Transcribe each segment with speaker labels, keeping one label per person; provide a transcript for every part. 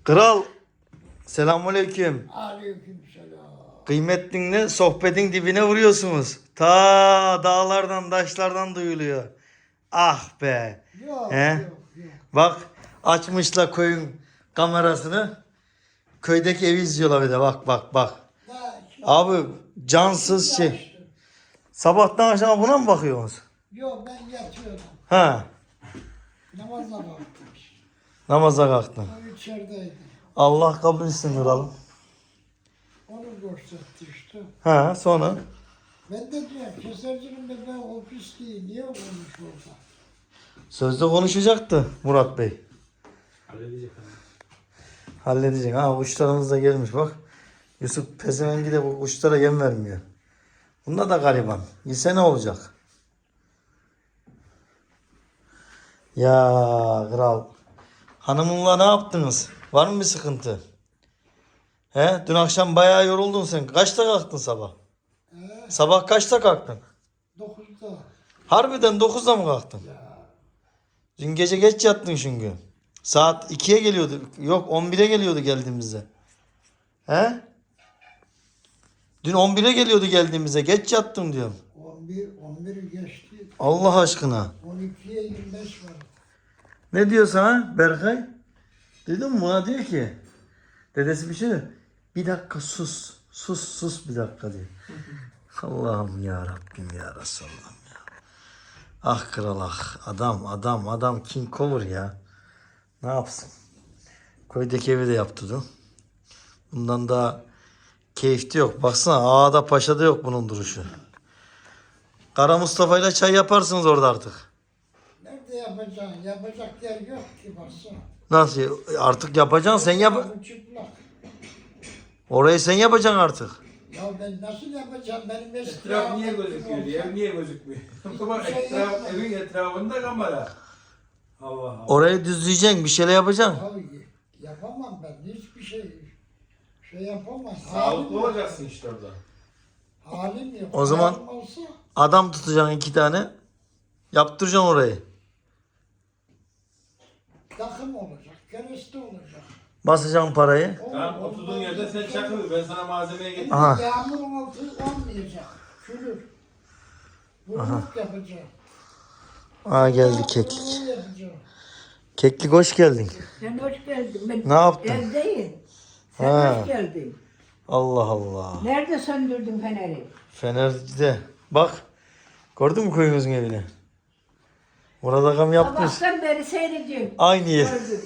Speaker 1: Kral, selamünaleyküm.
Speaker 2: Aleykümselam.
Speaker 1: Kıymetlinle sohbetin dibine vuruyorsunuz. Ta dağlardan, taşlardan duyuluyor. Ah be.
Speaker 2: Yok,
Speaker 1: He?
Speaker 2: yok, yok.
Speaker 1: Bak, açmışlar köyün kamerasını. Köydeki evi izliyorlar bir de. Bak, bak, bak.
Speaker 2: Daha şimdi
Speaker 1: Abi cansız şey.
Speaker 2: yaşlı.
Speaker 1: Sabahtan akşama buna mı bakıyorsunuz?
Speaker 2: Yok, ben yatıyordum.
Speaker 1: Ha,
Speaker 2: Namaza kalktım.
Speaker 1: namaza kalktın.
Speaker 2: O içerideydi.
Speaker 1: Allah kabul etsin kralım.
Speaker 2: Onu gösterdi işte.
Speaker 1: Ha, sonra?
Speaker 2: Ben de diyorum, kesercinin bebeği o pisliği niye olmuş orada?
Speaker 1: Sözde konuşacaktı Murat Bey.
Speaker 3: Halledecek abi.
Speaker 1: Halledecek. Ha, kuşlarımız da gelmiş bak. Yusuf pezevengi de bu kuşlara yem vermiyor. Bunda da gariban. Yese ne olacak? Ya kral. Hanımınla ne yaptınız? Var mı bir sıkıntı? He? Dün akşam bayağı yoruldun sen. Kaçta kalktın sabah? Sabah kaçta kalktın?
Speaker 2: 9'da.
Speaker 1: Harbiden 9'da mı kalktın? Dün gece geç yattın çünkü. Saat 2'ye geliyordu. Yok 11'e geliyordu geldiğimizde. He? Dün 11'e geliyordu geldiğimizde. Geç yattın diyorum.
Speaker 2: 11'i geçti.
Speaker 1: Allah aşkına.
Speaker 2: 12'ye 25 var.
Speaker 1: Ne diyor sana Berkay? Duydun mu? Bana diyor ki. Dedesi bir şey diyor. Bir dakika sus. Sus bir dakika diyor. Allah'ım ya Rabbim ya Resulallah'ım ya. Ah kral ah. Adam King Cover ya. Ne yapsın? Köydeki evi de yaptırdı. Bundan daha keyifli yok. Baksana ağada paşada yok bunun duruşu. Kara Mustafa ile çay yaparsınız orada artık.
Speaker 2: Nerede yapacaksın? Yapacak yer yok ki baksana.
Speaker 1: Nasıl? Artık yapacaksın sen yap.
Speaker 2: Bu çıplak.
Speaker 1: Orayı sen yapacaksın artık.
Speaker 2: Ya ben nasıl yapacağım? Benim eski
Speaker 3: Etraf niye
Speaker 2: rahmetlim
Speaker 3: gözüküyor?
Speaker 2: olsa-
Speaker 3: Ev niye gözükmüyor? Ama
Speaker 2: şey
Speaker 3: evin etrafında kamera. Allah Allah.
Speaker 1: Orayı düzleyeceksin, bir şeyler yapacaksın.
Speaker 2: Ya yapamam ben hiçbir şey yapamam.
Speaker 3: Sağlıklı olacaksın işte orada.
Speaker 2: Halim yok.
Speaker 1: O zaman-
Speaker 2: Halim olsa
Speaker 1: Adam tutacaksın 2 tane. Yaptıracaksın orayı.
Speaker 2: takım olacak, kereste olacak.
Speaker 1: Basacaksın parayı.
Speaker 3: Tamam oturduğun yerde sen çakıl. Ben sana malzemeyi getireyim.
Speaker 1: Aha.
Speaker 2: Yağmurun altı olmayacak. Çürür. Vurluk yapacağım.
Speaker 1: Aa geldi keklik.
Speaker 2: Vurluk yapacağım.
Speaker 1: Keklik hoş geldin.
Speaker 4: Sen hoş geldin. Ben
Speaker 1: Ne yaptın?
Speaker 4: evdeyim. Sen
Speaker 1: Ha.
Speaker 4: hoş geldin.
Speaker 1: Allah Allah.
Speaker 4: Nerede söndürdün feneri?
Speaker 1: Fener'de. Bak. Gördün mü köyümüzün evini? Burada gam yapmış.
Speaker 4: Sabahtan beri seyrediyorum.
Speaker 1: Aynı yer.
Speaker 4: Gördüm.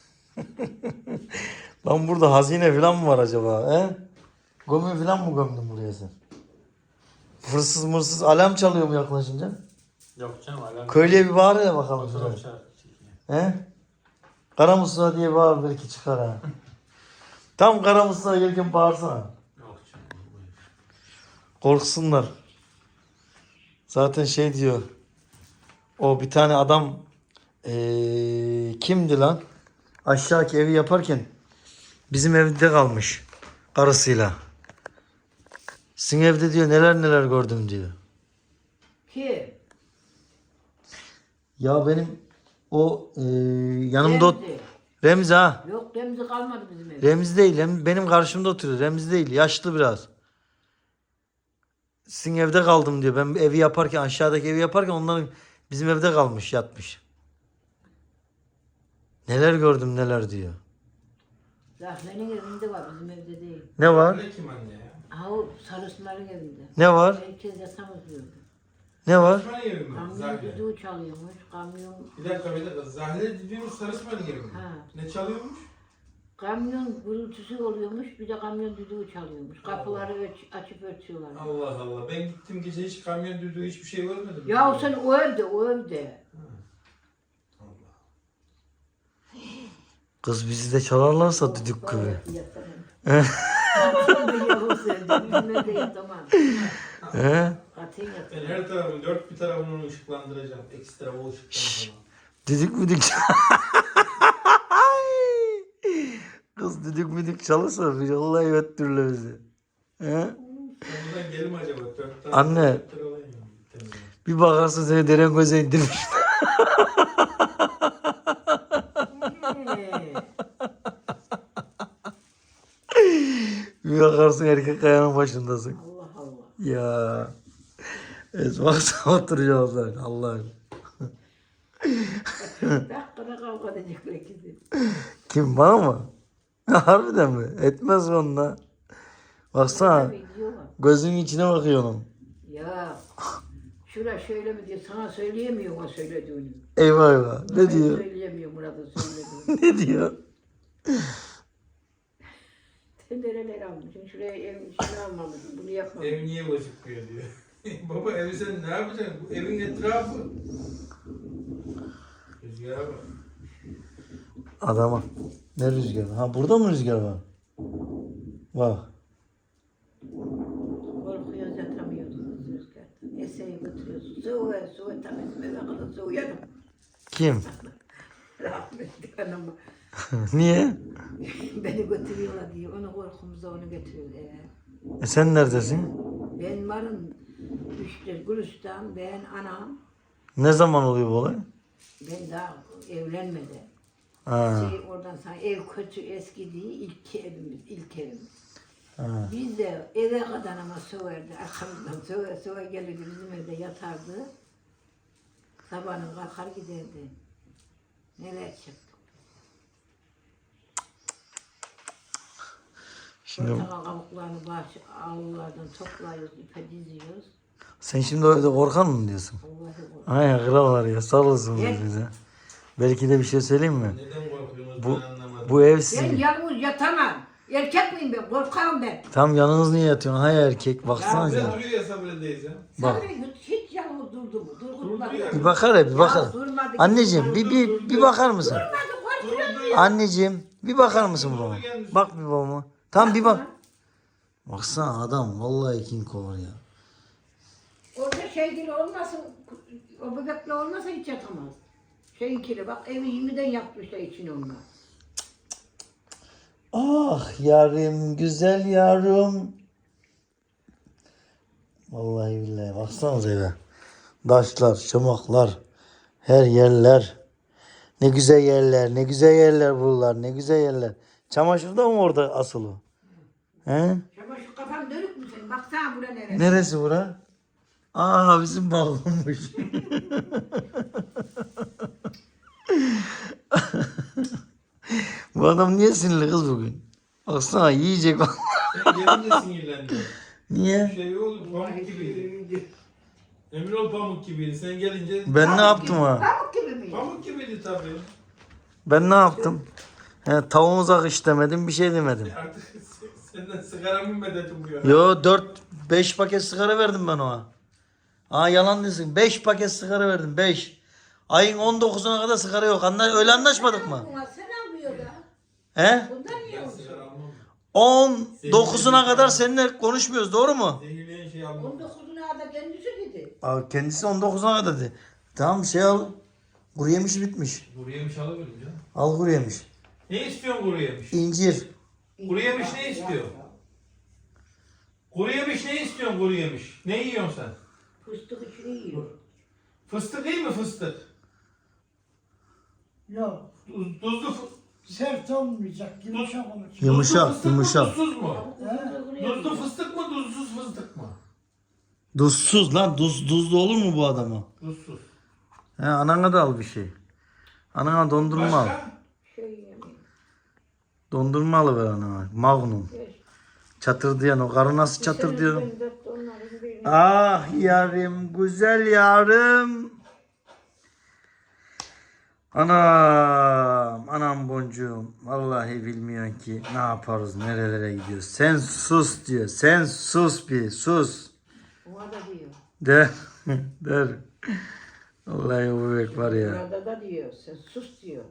Speaker 1: Lan burada hazine falan mı var acaba? He? Gömü falan mı gömdün buraya sen? Hırsız mırsız alarm çalıyor mu yaklaşınca?
Speaker 3: Yok canım alarm.
Speaker 1: Köylüye bir bağır ya bakalım.
Speaker 3: Fotoğraf
Speaker 1: şuraya.
Speaker 3: çekiyor.
Speaker 1: He? Kara Mustafa diye bağır belki çıkar ha. Tam Kara Mustafa gelirken bağırsana.
Speaker 3: Yok canım.
Speaker 1: Korksunlar. Zaten şey diyor. O bir tane adam kimdi lan? Aşağıki evi yaparken bizim evde kalmış karısıyla. Sizin evde diyor neler gördüm diyor.
Speaker 4: Ki
Speaker 1: Ya benim o yanımda
Speaker 4: Remzi.
Speaker 1: Remzi ha.
Speaker 4: Yok Remzi kalmadı bizim evde.
Speaker 1: Remzi değil. Benim karşımda oturuyor. Remzi değil. Yaşlı biraz. Sizin evde kaldım diyor. Ben evi yaparken aşağıdaki evi yaparken onların bizim evde kalmış yatmış. Neler gördüm neler diyor.
Speaker 4: Zahmenin evinde var bizim evde değil.
Speaker 1: Ne var?
Speaker 3: Ne kim anne ya?
Speaker 4: Ha o sarısınların evinde.
Speaker 1: Ne var?
Speaker 4: Herkes yatamaz diyordu.
Speaker 1: Ne var?
Speaker 3: Sarısmanın evi mi?
Speaker 4: Kamyon
Speaker 3: Zahre.
Speaker 4: düdüğü çalıyormuş. Kamyon
Speaker 3: Bir dakika. Zahre dediğimiz Sarısmanın evi mi?
Speaker 4: Ha.
Speaker 3: Ne çalıyormuş?
Speaker 4: kamyon gürültüsü oluyormuş. Bir de kamyon düdüğü çalıyormuş. Kapıları açıp örtüyorlar.
Speaker 3: Allah Allah. Ben gittim gece hiç kamyon düdüğü hiçbir şey görmedim.
Speaker 4: Ya sen o evde.
Speaker 3: Allah.
Speaker 1: Kız bizi de çalarlarsa düdük gibi.
Speaker 4: Yatamam. Yahu sevdim. Bizim evde yatamam.
Speaker 1: He?
Speaker 4: Katiyen
Speaker 3: Ben
Speaker 4: yatamam.
Speaker 3: her tarafın dört bir tarafını ışıklandıracağım. Ekstra o ışıktan falan.
Speaker 1: Düdük müdük Kız düdük müdük çalırsa bir vallahi öttürürler bizi. He?
Speaker 3: Sonradan gelim acaba? Dört tane
Speaker 1: Anne.
Speaker 3: dört lira alayım ya.
Speaker 1: Bir bakarsın seni deren göze indirmiş. baksın erkek kayanın başındasın.
Speaker 4: Allah Allah.
Speaker 1: Ya. Baksana oturacağız lan Allah'ım.
Speaker 4: Dakikada kavga edecekler ikisi.
Speaker 1: Kim bana mı? Harbiden mi? Etmez mi onunla? Baksana
Speaker 4: Video var.
Speaker 1: gözünün içine bakıyor onun.
Speaker 4: Ya şura şöyle mi diyor sana söyleyemiyorum o söylediğini.
Speaker 1: Eyvah eyvah. Ne
Speaker 4: Ben
Speaker 1: diyor?
Speaker 4: söyleyemiyorum Murat'ın söylediğini.
Speaker 1: Ne diyor?
Speaker 4: Sen nereler almışsın? Şuraya ev işini almamışsın. Bunu yapmamışsın.
Speaker 3: Ev niye gözükmüyor diyor. Baba evi sen ne yapacaksın? Bu evin etrafı. Rüzgara bak.
Speaker 1: Adama. Ne rüzgarı? Ha burada mı rüzgar var? Var.
Speaker 4: Korkuyoruz yatamıyoruz rüzgarda. Eseyi götürüyoruz. Soğuğa soğuğa tam eve kadar soğuyalım.
Speaker 1: Kim?
Speaker 4: Rahmetli anama.
Speaker 1: Niye?
Speaker 4: Beni götürüyorlar diye. Onu korkumuzda onu götürüyorlar.
Speaker 1: Sen neredesin?
Speaker 4: Ben varım. İşte Gülistan, ben anam.
Speaker 1: Ne zaman oluyor bu olay?
Speaker 4: Ben daha evlenmeden.
Speaker 1: Ha.
Speaker 4: Oradan sana ev kötü eski değil. İlk evimiz.
Speaker 1: Ha.
Speaker 4: Biz de eve kadar ama soğardı. Arkamızdan soğuğa gelirdi. Bizim evde yatardı. Sabahın kalkar giderdi. Neler çıktı.
Speaker 1: Şimdi
Speaker 4: Portakal kabuklarını avlulardan toplayıyoruz, ipe diziyoruz.
Speaker 1: sen şimdi o evde korkan mı diyorsun?
Speaker 4: Allah'ı
Speaker 1: Ay krallar ya sağ olasın
Speaker 4: Evet.
Speaker 1: bize. Belki de bir şey söyleyeyim mi?
Speaker 3: Neden korkuyorsunuz
Speaker 1: Bu
Speaker 3: ben anlamadım.
Speaker 1: bu ev
Speaker 4: Ben
Speaker 1: sizin.
Speaker 4: yalnız yatamam. Erkek miyim ben? Korkarım ben.
Speaker 1: Tam yanınız niye yatıyorsun? Hay erkek baksana
Speaker 3: Sen
Speaker 1: ya.
Speaker 3: duruyor ya sabredeyiz ya.
Speaker 1: Bak.
Speaker 4: Sabri hiç yalnız durdu mu? Durmadı.
Speaker 3: Durdu ya.
Speaker 1: Bir bakar ya bir bakar.
Speaker 4: Ya durmadı.
Speaker 1: Anneciğim bir bakar mısın?
Speaker 4: Durmadı, korkuyor.
Speaker 1: Anneciğim bir bakar mısın babama? Bak bir babama. Tam bir bak. Baksana adam vallahi King Kong ya.
Speaker 4: Orada şeygili olmasın, o bebekle olmasa hiç yatamaz. Şeyinkili bak evi 20'den yapmışlar için onlar.
Speaker 1: Ah yarim güzel yarım. Vallahi billahi baksanıza eve. Taşlar, çomaklar, her yerler. Ne güzel yerler, ne güzel yerler buralar, ne güzel yerler. Çamaşır da mı orada asılı? He?
Speaker 4: Ama şu kafan dönük mü senin? Baksana bura neresi?
Speaker 1: Neresi bura? Aa bizim balkonmuş. Bu adam niye sinirli kız bugün? Baksana yiyecek.
Speaker 3: Sen gelince sinirlendin.
Speaker 1: Niye?
Speaker 3: Şey oldu pamuk gibiydi. Emin ol pamuk gibiydi. Sen gelince
Speaker 1: Ben ne yaptım ha?
Speaker 4: Pamuk gibi mi?
Speaker 3: pamuk gibiydi tabii.
Speaker 1: Ben ne yaptım? He, tavuğumuza kış demedim, bir şey demedim.
Speaker 3: Artık senden sigara mı medet umuyor?
Speaker 1: Yo 4-5 paket sigara verdim ben ona. Aa yalan değilsin. 5 paket sigara verdim. 5. Ayın 19'una kadar sigara yok. Öyle anlaşmadık mı?
Speaker 4: Sen almıyor da.
Speaker 1: He?
Speaker 4: Bundan niye
Speaker 3: Ben
Speaker 4: olsun?
Speaker 3: sigara almam.
Speaker 1: 19'una kadar seninle konuşmuyoruz. Doğru mu?
Speaker 3: Zehirleyen şey almam.
Speaker 4: 19'una da kendisi dedi.
Speaker 1: Aa, kendisi 19'una kadar dedi. Tamam şey al. Kuru yemiş bitmiş.
Speaker 3: Kuru yemiş alabilirim canım.
Speaker 1: Al kuru yemiş.
Speaker 3: Ne istiyorsun kuru yemiş?
Speaker 1: İncir.
Speaker 3: Kuru yemiş ne istiyor? Kuru yemiş ne istiyorsun kuru yemiş? Ne yiyorsun sen?
Speaker 4: Fıstık içini yiyor.
Speaker 3: Fıstık değil mi fıstık?
Speaker 2: Yok.
Speaker 3: Tuzlu
Speaker 2: Sert olmayacak. Yumuşak olacak.
Speaker 1: Yumuşak,
Speaker 3: fıstık mı
Speaker 1: yumuşak.
Speaker 3: tuzsuz mu?
Speaker 2: He?
Speaker 3: Tuzlu fıstık mı tuzsuz fıstık mı?
Speaker 1: Duzsuz lan. Duzlu olur mu bu adama?
Speaker 3: Tuzsuz.
Speaker 1: He, anana da al bir şey. Anana dondurma al.
Speaker 3: Başka?
Speaker 4: Şey yemiyor.
Speaker 1: Dondurma alıver anana. Magnum. Çatır diyen o karı nasıl çatır diyor. Ah yarim güzel yarım. Anam boncuğum. Vallahi bilmiyorsun ki ne yaparız nerelere gidiyoruz. Sen sus diyor. Sen sus bir sus.
Speaker 4: Ona da diyor.
Speaker 1: Der. Der. Vallahi bu bebek var ya.
Speaker 4: Burada da diyor. Sen sus diyor.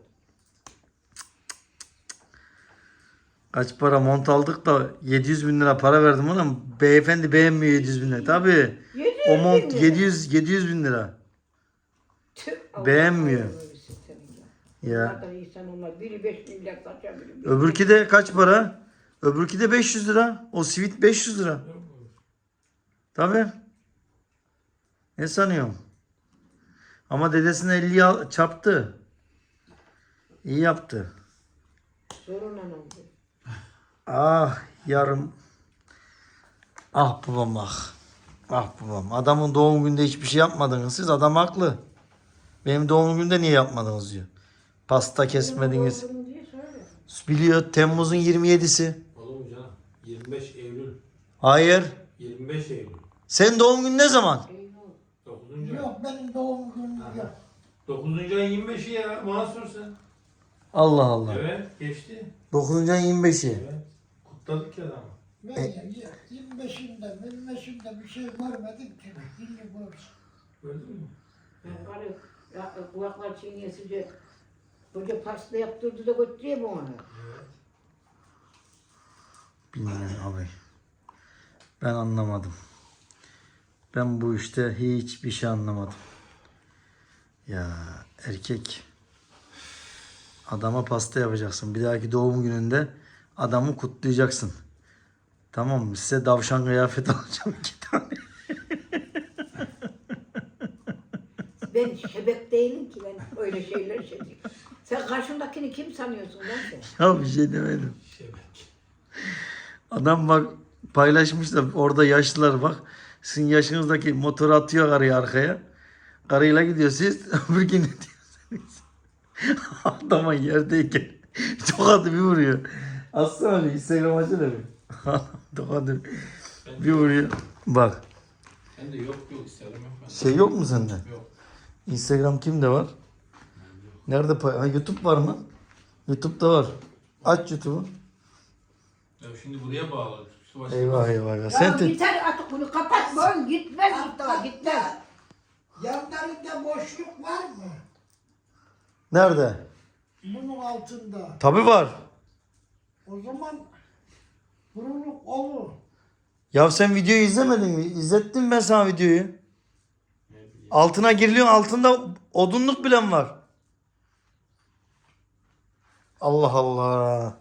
Speaker 1: Kaç para mont aldık da 700 bin lira para verdim ona. Beyefendi beğenmiyor 700 bin lira. Tabii.
Speaker 4: 700
Speaker 1: O mont
Speaker 4: bin lira.
Speaker 1: 700 bin lira.
Speaker 4: Tüh, Allah
Speaker 1: Beğenmiyor.
Speaker 4: razı olsun senin ya.
Speaker 1: Ya.
Speaker 4: Onlar da insan onlar. Biri 5 milyar kaçar biri.
Speaker 1: Öbürki de kaç para? Öbürki de 500 lira. O sivit 500 lira. Tabii. Ne sanıyorsun? Ama dedesine 50 çarptı. İyi yaptı.
Speaker 4: Sorun anamdı.
Speaker 1: Ah yarım. Ah babam ah. Ah babam. Adamın doğum gününde hiçbir şey yapmadınız siz. Adam haklı. Benim doğum günümde niye yapmadınız diyor. Pasta kesmediniz.
Speaker 4: Oğlum diye söyle.
Speaker 1: Biliyor Temmuz'un 27'si.
Speaker 3: Oğlum canım 25 Eylül.
Speaker 1: Hayır.
Speaker 3: 25 Eylül.
Speaker 1: Senin doğum günün ne zaman?
Speaker 3: 9. ay.
Speaker 2: Yok benim doğum günüm yok.
Speaker 3: 9. ayın 25'i ya. Mansur sen.
Speaker 1: Allah Allah.
Speaker 3: Evet geçti.
Speaker 1: 9. ayın 25'i.
Speaker 3: Evet. Kutladık ya adamı.
Speaker 2: Ben 25'inde bir şey görmedim ki. Şimdi görsün.
Speaker 3: Gördün mü?
Speaker 4: Ben karı kulaklar çiğnesince koca pasta yaptırdı da götürüyor mu onu?
Speaker 3: Evet.
Speaker 1: Bilmiyorum abi. Ben anlamadım. Ben bu işte hiçbir şey anlamadım. Ya erkek adama pasta yapacaksın. Bir dahaki doğum gününde adamı kutlayacaksın. Tamam mı? Size davşan kıyafeti alacağım 2 tane.
Speaker 4: Ben şebek değilim ki ben öyle şeyler şey değil. Sen karşındakini kim sanıyorsun lan sen?
Speaker 1: Ya bir şey demedim.
Speaker 3: Şebek.
Speaker 1: Adam bak paylaşmış da orada yaşlılar bak. Sizin yaşınızdaki motoru atıyor karıyı arkaya. Karıyla gidiyor siz öbür gün ne diyorsunuz? Adama yerdeyken tokadı bir vuruyor. Aslında bir Instagram açsana bir. Tokadı bir vuruyor. Bak
Speaker 3: Ben de yok isterim yok.
Speaker 1: şey yok mu sende?
Speaker 3: Yok.
Speaker 1: Instagram kimde var? Nerede ha, YouTube var mı? YouTube'da var. Aç YouTube'u.
Speaker 3: Ya şimdi buraya bağlı. Şu başka
Speaker 1: Eyvah eyvah. eyvah.
Speaker 4: Ya
Speaker 1: Sen de...
Speaker 4: yeter artık bunu kapat boyun gitmez Mustafa gitmez.
Speaker 2: Yanlarında boşluk var mı?
Speaker 1: Nerede?
Speaker 2: Bunun altında.
Speaker 1: Tabii var.
Speaker 2: O zaman buruluk olur.
Speaker 1: Ya sen videoyu izlemedin mi? İzlettim ben sana videoyu. Altına giriliyor. Altında odunluk bile mi var? Allah Allah.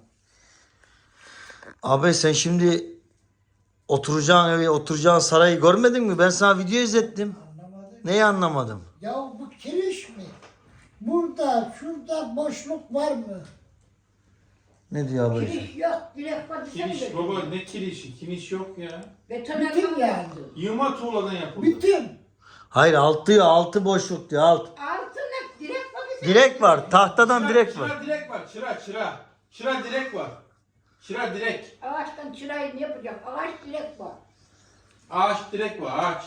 Speaker 1: Abi sen şimdi oturacağın evi, oturacağın sarayı görmedin mi? Ben sana video izlettim.
Speaker 2: Anlamadım.
Speaker 1: Neyi anlamadım?
Speaker 2: Ya bu kiriş mi? Burada, şurada boşluk var mı?
Speaker 1: Ne diyor abi?
Speaker 4: Kiriş yok direkt var dışarı
Speaker 3: Kiriş
Speaker 4: götür.
Speaker 3: baba ne kirişi? Kiriş yok ya.
Speaker 4: Betonarme
Speaker 2: Bütün yani.
Speaker 4: yaptı.
Speaker 3: Yığma tuğladan yapıldı.
Speaker 2: Bütün.
Speaker 1: Hayır altı diyor. Altı boşluk diyor. Alt.
Speaker 4: Altına direkt var dışarı.
Speaker 1: Direk var. Tahtadan direk var.
Speaker 3: Çıra direk var. Çıra. Çıra direk var. Çıra direk.
Speaker 4: Ağaçtan çırayı ne yapacak? Ağaç direkt var.
Speaker 3: Ağaç direk var. Ağaç.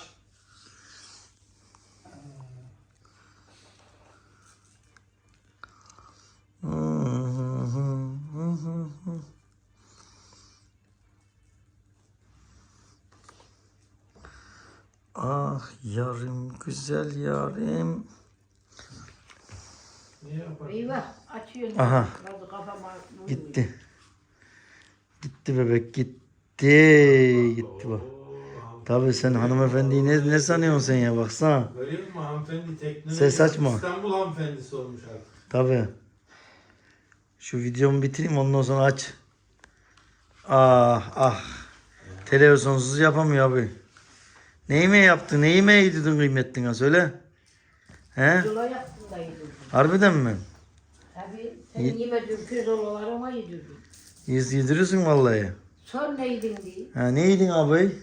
Speaker 1: Ah yarim güzel yarim.
Speaker 3: Ne yapar?
Speaker 4: Eyvah açıyorsun.
Speaker 1: Aha.
Speaker 4: Bazı kafama vuruyor.
Speaker 1: Gitti. Gitti bebek gitti. Gitti bak. Tabii sen hanımefendiyi ne sanıyorsun sen ya baksana.
Speaker 3: Görüyor musun hanımefendi teknoloji?
Speaker 1: Ses açma.
Speaker 3: İstanbul hanımefendisi olmuş artık.
Speaker 1: Tabii. Şu videomu bitireyim ondan sonra aç. Ah ah. Televizyonsuz yapamıyor abi. Neyi yaptın? Neyi mi yedirdin kıymetline söyle. He?
Speaker 4: Yola yaptım da yedirdim.
Speaker 1: Harbiden mi?
Speaker 4: Tabii senin yemediğin pirzolalarıma yedirdim.
Speaker 1: Yedirirsin vallahi.
Speaker 4: Sor ne yedin diye.
Speaker 1: Ha ne yedin abi?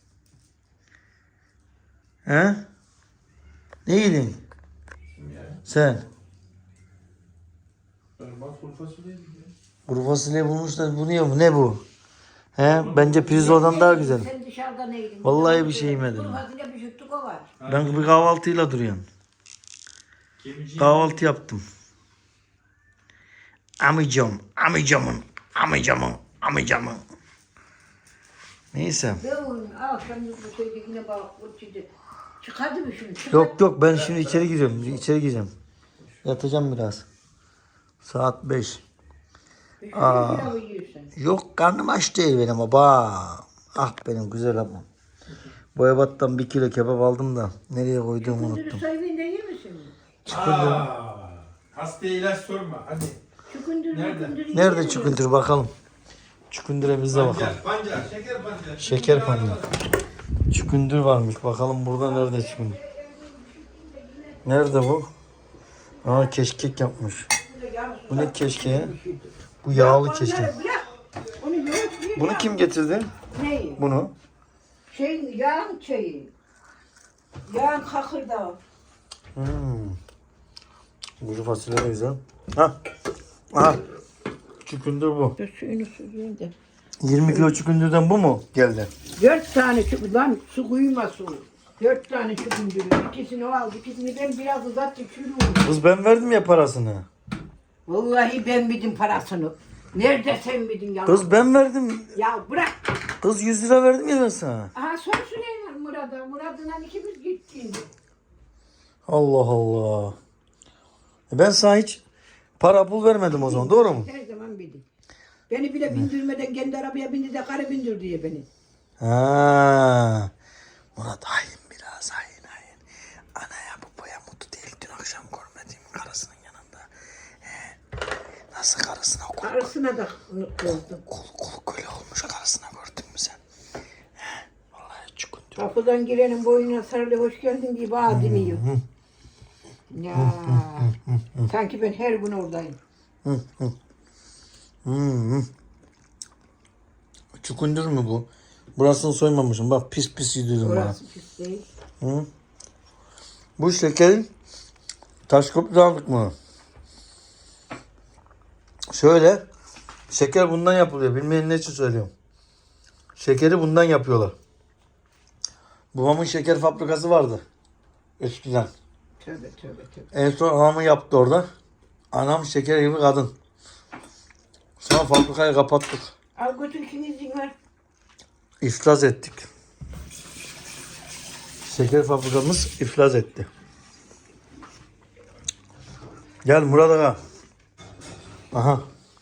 Speaker 1: He? Ne yedin?
Speaker 3: Kim ya?
Speaker 1: Sen?
Speaker 3: Bak kuru fasulye mi ya?
Speaker 1: Kuru fasulye bulmuşlar. Bu ne bu? He? Bence pirzoladan daha güzel.
Speaker 4: Sen dışarıda ne yedin?
Speaker 1: Vallahi bir şey yemedim
Speaker 4: Kuru
Speaker 1: ben.
Speaker 4: fasulye bir şuttuk o var.
Speaker 1: Ben bir kahvaltıyla duruyorum.
Speaker 3: Kemici.
Speaker 1: Kahvaltı yaptım. Amcamın. Neyse.
Speaker 4: Ben akşam bu şeyde yine balık burçuydu. Çıkardı mı şunu?
Speaker 1: Yok ben şimdi içeri gireceğim. Yatacağım biraz. Saat 5. Aa.
Speaker 4: Pilavı yiyorsun.
Speaker 1: Yok karnım aç değil benim baba. Ah benim güzel ablam. Boyabat'tan 1 kilo kebap aldım da nereye koyduğumu
Speaker 4: Kunduru
Speaker 1: unuttum.
Speaker 4: soymayın da yer misin?
Speaker 3: Hastaya ilaç sorma hadi.
Speaker 4: Çukunduru
Speaker 3: Nerede?
Speaker 4: kunduru
Speaker 1: Nerede çukundur bakalım. Çukundur'a biz de bakalım.
Speaker 3: Pancar, şeker pancar.
Speaker 1: Şeker pancar. Çukundur varmış. Bakalım burada nerede çukundur. Nerede bu? Aa keşkek yapmış. Bu ne keşkeği? Bu yağlı keşkek.
Speaker 4: Bırak. Onu yoğurt yiyor.
Speaker 1: Bunu kim getirdi?
Speaker 4: Neyi?
Speaker 1: Bunu.
Speaker 4: Yağın şeyi. Yağın kakırdağı.
Speaker 1: Kuru fasulye de güzel. Ha. Aha. Çükündür bu.
Speaker 4: Dur suyunu süzeyim de.
Speaker 1: 20 kilo çükündürden bu mu geldi?
Speaker 4: 4 tane çukur lan su kuyma su. 4 tane çukundürü. İkisini o aldı. İkisini ben biraz uzattım. Çürüyorum.
Speaker 1: Kız ben verdim ya parasını.
Speaker 4: Vallahi ben bildim parasını. Nerede sen bildin ya?
Speaker 1: Kız ben verdim.
Speaker 4: Ya bırak.
Speaker 1: Kız 100 lira verdim ya ben sana.
Speaker 4: Aha sor Süleyman Murat'a. Murat'la ikimiz gittik.
Speaker 1: Allah Allah. Ben sana hiç para pul vermedim o zaman, doğru mu?
Speaker 4: Her zaman bildim. Beni bile bindirmeden kendi arabaya bindi de karı bindir diye beni.
Speaker 1: Ha. Murat hain biraz hain. Anaya babaya mutlu değil. Dün akşam görmediğim karısının yanında. Nasıl karısına
Speaker 4: Karısına da kızdım.
Speaker 1: kul köle olmuş karısına, gördün mü sen? Vallahi çukundur.
Speaker 4: Kapıdan girenin boynuna sarılı hoş geldin diye bana demiyor. Ya sanki ben her gün oradayım.
Speaker 1: Çukundur mu bu? Burasını soymamışım. Bak pis pis yedirdim bana.
Speaker 4: Orası pis değil.
Speaker 1: Bu şekerin Taşköprü'de aldık bunu. Şöyle, şeker bundan yapılıyor. Bilmeyen ne için söylüyorum. Şekeri bundan yapıyorlar. Babamın şeker fabrikası vardı eskiden.
Speaker 4: Tövbe.
Speaker 1: En son anamı yaptı orada. Anam şeker gibi kadın. Sonra fabrikayı kapattık.
Speaker 4: Al götür ikinizin var.
Speaker 1: İflas ettik. Şeker fabrikamız iflas etti. Gel Murat Ağa. Aha.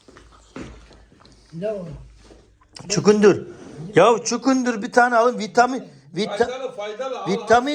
Speaker 2: Ne o?
Speaker 1: Çukundur. Ya çukundur bir tane alın.
Speaker 3: Faydalı.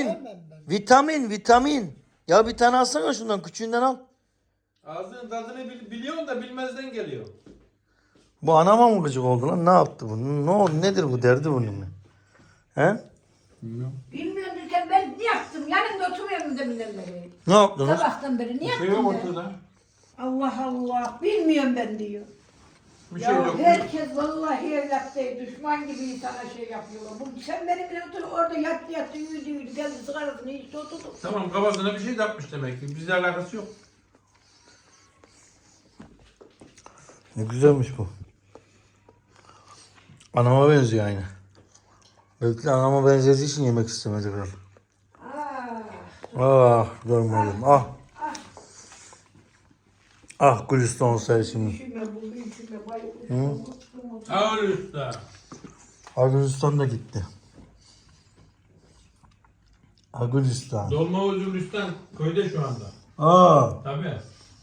Speaker 1: Vitamin. Ya bir tane alsana şundan. Küçüğünden al.
Speaker 3: Ağzının tadını biliyorsun da bilmezden geliyor.
Speaker 1: Bu anama mı gıcık oldu lan? Ne yaptı bu? Ne oldu? Nedir bu derdi bunun? He?
Speaker 4: Bilmiyorum sen ben ne yaptım? Yanımda oturuyorum deminden beri.
Speaker 1: Ne yaptınız?
Speaker 4: Sabahtan beri ne yaptım ben? Allah Allah. Bilmiyorum ben diyor.
Speaker 3: Bir şey
Speaker 4: Ya
Speaker 3: yok.
Speaker 4: herkes vallahi evlat değil, düşman gibi sana şey yapıyorlar. Sen benimle otur orada yattı yürüdü geldi sigarasını içti oturdu.
Speaker 3: Tamam, kafasına bir şey de yapmış demek ki. Bizle alakası yok.
Speaker 1: Ne güzelmiş bu. Anama benziyor aynı. Belki de anama benzediği için yemek istemedi kral. Görmedim. Ah Gülistan olsaydı şimdi.
Speaker 4: Üşüme bu üşüme bayılır.
Speaker 3: Sağ ol usta.
Speaker 1: Gülistan da gitti. Gülistan.
Speaker 3: Dolma Özgürlistan köyde şu anda. Tabii.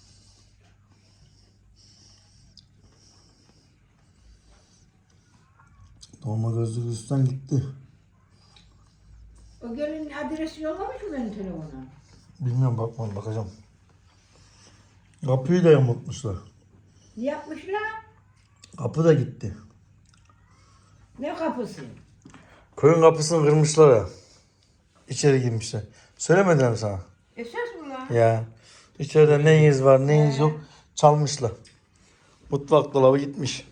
Speaker 1: Dolma gözlü Gülistan gitti.
Speaker 4: O gelin adresi yollamış mı benim telefona?
Speaker 1: Bilmiyorum, bakacağım. Kapıyı da yamultmuşlar.
Speaker 4: Ne yapmışlar?
Speaker 1: Kapı da gitti.
Speaker 4: Ne kapısı?
Speaker 1: Köyün kapısını kırmışlar ya. İçeri girmişler. Söylemediler mi sana?
Speaker 4: Esas mı lan?
Speaker 1: Ya. İçeride neyiniz var neyiniz yok çalmışlar. Mutfak dolabı gitmiş.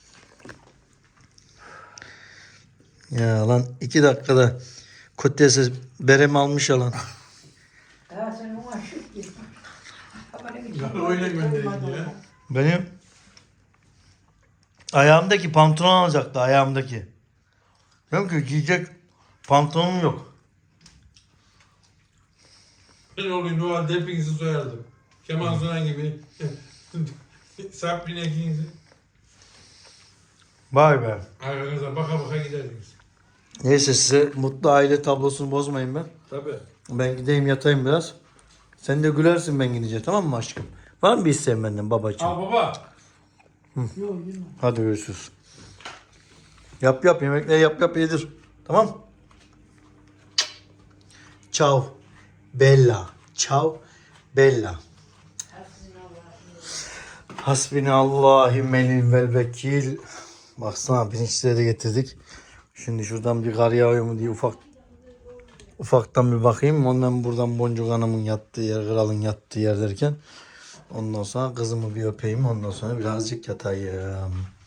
Speaker 1: Ya lan 2 dakikada Kotiyesi berem almış ya lan.
Speaker 4: Ya sen ona şık git.
Speaker 3: Öyle gönderildi ya.
Speaker 1: Benim ayağımdaki pantolon alacaktı, ayağımdaki. Diyorum ki giyecek pantolonum yok.
Speaker 3: Ben olayım o halde hepinizi soyardım. Kemal Sunal gibi. Sabrina ikinizi.
Speaker 1: Vay be.
Speaker 3: Arkanıza baka baka giderdiniz.
Speaker 1: Neyse, size mutlu aile tablosunu bozmayayım ben.
Speaker 3: Tabii.
Speaker 1: Ben gideyim yatayım biraz. Sen de gülersin ben gidince, tamam mı aşkım? Var mı bir isteğin benden babacığım?
Speaker 3: Al baba.
Speaker 1: Hadi görüşürüz. Yap yemekleri yap yedir. Tamam. Ciao Bella. Ciao Bella. Hasbinallahü vel vekil. Baksana pirinçleri de getirdik. Şimdi şuradan bir kar yağıyor mu diye ufaktan bir bakayım. Ondan buradan Boncuk Hanım'ın yattığı yer, kralın yattığı yer derken. Ondan sonra kızımı bir öpeyim. Ondan sonra birazcık yatayım.